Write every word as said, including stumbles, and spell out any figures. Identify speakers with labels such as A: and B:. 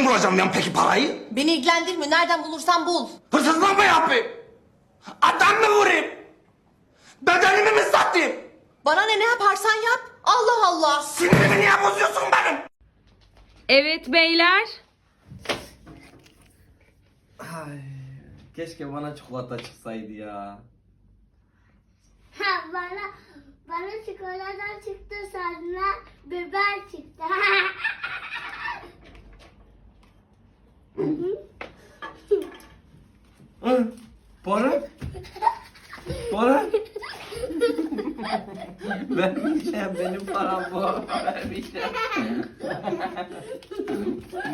A: bulacağım ben peki parayı?
B: Beni ilgilendirmiyor. Nereden bulursan bul.
A: Hırsızlık mı yapayım? Adam mı vurayım? Bedenimi mi satayım?
B: Bana ne ne yaparsan yap. Allah Allah.
A: Sinirimi niye bozuyorsun benim?
C: Evet beyler.
D: Ay, keşke bana çikolata çıksaydı ya.
E: Ha, bana bana çikolata çıktı, sonra biber çıktı.
D: Hı, para? Para? Vermeyeceğim, benim param bu. Vermeyeceğim.